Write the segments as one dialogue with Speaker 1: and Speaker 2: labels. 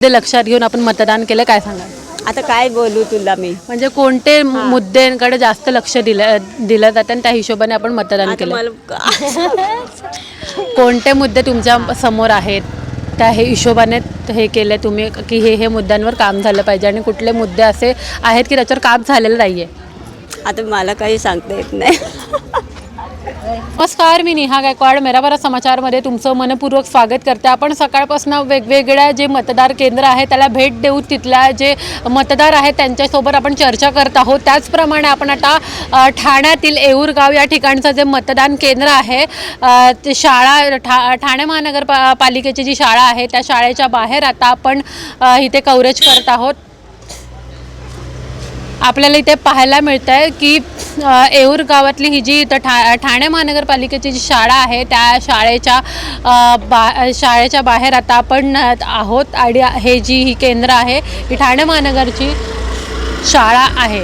Speaker 1: ते लक्षात घेऊन आपण मतदान केलं, काय सांगाल?
Speaker 2: आता काय बोलू तुला मी.
Speaker 1: म्हणजे कोणते मुद्द्यांकडे जास्त लक्ष दिलं जातं आणि त्या हिशोबाने आपण मतदान
Speaker 2: आता
Speaker 1: केलं?
Speaker 2: मला
Speaker 1: कोणते मुद्दे तुमच्या समोर आहेत त्या हे हिशोबाने हे केले तुम्ही की हे मुद्द्यांवर काम झालं पाहिजे आणि कुठले मुद्दे असे आहेत की त्याच्यावर काम झालेलं नाही आहे?
Speaker 2: आता मला काही सांगता येत नाही.
Speaker 1: नमस्कार, मी नेहा गायकवाड मेरा भारत समाचारमध्ये तुमचं मनपूर्वक स्वागत करते. आपण सकाळपासून वेगवेगळ्या जे मतदार केंद्र आहे त्याला भेट देऊन तिथल्या जे मतदार आहेत त्यांच्यासोबत आपण चर्चा करत आहोत. त्याचप्रमाणे आपण आता ठाण्यातील येऊर गाव या ठिकाणचं जे मतदान केंद्र आहे ते शाळा ठाणे महानगरपालिकेची जी शाळा आहे त्या शाळेच्या बाहेर आता आपण इथे कव्हरेज करत आहोत. आपल्याला इथे पाहायला मिळतं आहे की येऊर गावातली ही जी ठाणे महानगरपालिकेची जी शाळा आहे त्या शाळेच्या बाहेर आता आपण आहोत आणि हे जी ही केंद्र आहे ही ठाणे महानगरची शाळा आहे.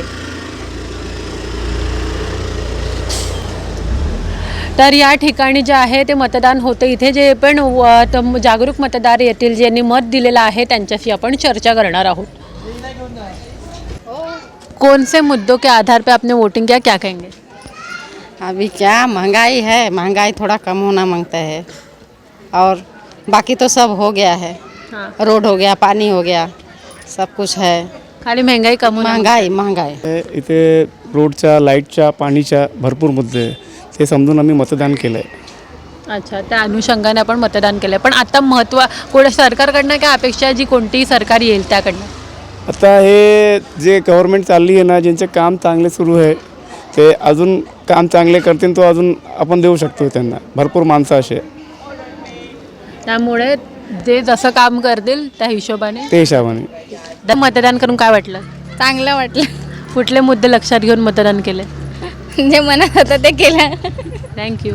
Speaker 1: तर या ठिकाणी जे आहे ते मतदान होतं. इथे जे पण जागरूक मतदार येतील ज्यांनी मत दिलेलं आहे त्यांच्याशी आपण चर्चा करणार आहोत. कौन से मुद्दों के आधार पे आपने वोटिंग किया, क्या कहेंगे?
Speaker 3: अभी क्या महंगाई है, महंगाई थोड़ा कम होना मांगता है और बाकी तो सब हो गया है.
Speaker 1: हाँ.
Speaker 3: रोड हो गया, पानी हो गया, सब कुछ है.
Speaker 1: खाली महंगाई कम होणं.
Speaker 3: महंगाई
Speaker 4: इथे रोडच्या, लाईटच्या, पाणीच्या भरपूर मुद्दे आहे. ते समजून आम्ही मतदान केलं आहे.
Speaker 1: अच्छा, त्या अनुषंगाने आपण मतदान केलं. पण आता कोण सरकारकडनं काय अपेक्षा आहे, जी कोणतीही सरकार येईल त्याकडनं?
Speaker 4: आता हे जे गव्हर्मेंट चालली आहे ना, ज्यांचे काम चांगले सुरू आहे ते अजून काम चांगले करतील तो अजून आपण देऊ शकतो त्यांना. भरपूर माणसं असे
Speaker 1: त्यामुळे जे जसं काम करतील त्या हिशोबाने
Speaker 4: ते हिशोबाने.
Speaker 1: मतदान करून काय वाटलं?
Speaker 5: चांगलं वाटलं.
Speaker 1: कुठले मुद्दे लक्षात घेऊन मतदान केले?
Speaker 5: जे मनात होतं ते केलं.
Speaker 1: थँक्यू.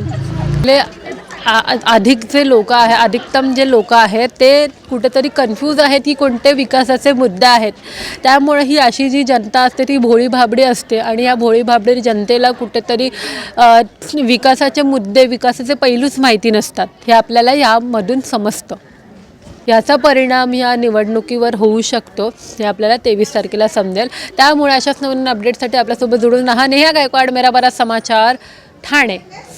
Speaker 1: अधिकचे लोक आहे, अधिकतम जे लोक आहेत ते कुठेतरी कन्फ्यूज आहेत की कोणते विकासाचे मुद्दे आहेत. त्यामुळे ही अशी जी जनता असते ती भोळी भाबडी असते आणि या भोळी भाबडी जनतेला कुठेतरी विकासाचे मुद्दे, विकासाचे पैलूच माहिती नसतात. हे आपल्याला यामधून समजतं. याचा परिणाम या निवडणुकीवर होऊ शकतो हे आपल्याला 23 तारखेला समजेल. त्यामुळे अशाच नवीन अपडेटसाठी आपल्यासोबत जोडून राहा. नेहा गायकवाड, मेरा भारत समाचार, ठाणे.